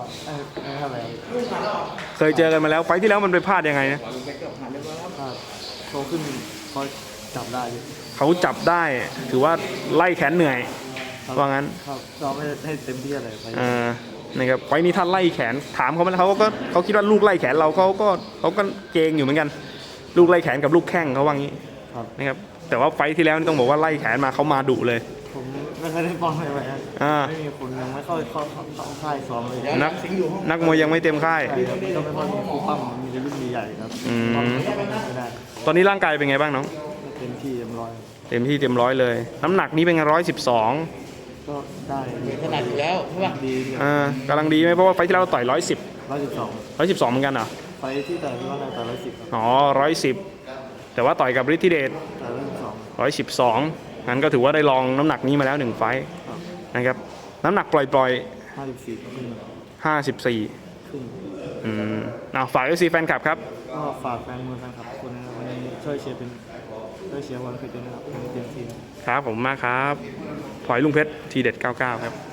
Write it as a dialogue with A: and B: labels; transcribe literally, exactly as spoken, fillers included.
A: เออไม่เท่าไหร่
B: เคยเจอกันมาแล้วไฟท์ที่แล้วมันไปพลาดยังไงนะ
A: ก็โตขึ้นเขาจับได้อยู่
B: เขาจับได้ถือว่าไล่แขนเหนื่อย
A: ครับ
B: ว่างั้น
A: ครับเราไม่ได้ให้เต็มที่อะไรไป
B: เออนะครับไฟท์นี้ท่านไล่แขนถามเขาไหมเขาก็เขาคิดว่าลูกไล่แขนเราเขาก็เขาก็เกรงอยู่เหมือนกัน ลูกไล่แขนกับลูกแข้งเขาว่างี้
A: ครับ
B: นะครับแต่ว่าไฟท์ที่แล้วนี่ต้องบอกว่าไล่แขนมาเขามาดุเลย
A: ผมไม่เคยได้ป้องเลยไปนะ
B: อ่า
A: ไม่มีคนยังไม่เข้าเข้าเข้าเข้าค่ายซ้อมเลย
B: นักนักมวยยังไม่เต็มค่าย
A: ใช่ครับก็ไม่ค่อยมีคู่ปั้มมีแต่รุ่นใหญ่ๆครับ
B: อืม
A: ป้องไม่ได้
B: ตอนนี้ร่างกายเป็นไงบ้างน้อง
A: เต็มที่เต็มร้อย
B: เต็มที่เต็มร้อยเลย น้ำหนักนี้เป็นร้อยสิบสอง
A: ก็ได้
C: ขนาดอยู่แล้วใช่ป่ะ
A: ดี
B: อ่ากำลังดีไหมเพราะว่าไฟท์ที่แล้วเราต่อยร้อยสิบ
A: ร้อยสิบสอง
B: ร้อยสิบสองเหมือนกันเหรอ
A: ไปที่แต่ที่ว่าในแต่ร้อยสิบครับ
B: อ๋อร้อยสิบแต่ว่าต่อยกับฤทธิเดช
A: แต่ร้อยสิบสอง
B: ร้อยสิบสองงั้นก็ถือว่าได้ลองน้ำหนักนี้มาแล้วหนึ่งไฟท์
A: ครับ
B: นะครับน้ำหนักปล่อย
A: ห้าสิบสี่ขึ้น
B: ๆห้าสิบสี่
A: ขึ้น
B: อืมเอาฝาก เอฟ ซี แฟนคลับครับ
A: ก็ฝากแฟนมวยแฟนคลับทุกคนนะครับวันนี้ช่วยเชียร์เป็นช่วยเชียร์วันเพชรด้วยนะครับวันนี้เต็มที่นะครับ
B: ครับผมมากครับพลอยลุงเพชรทีเด็ดเก้าสิบเก้าครับ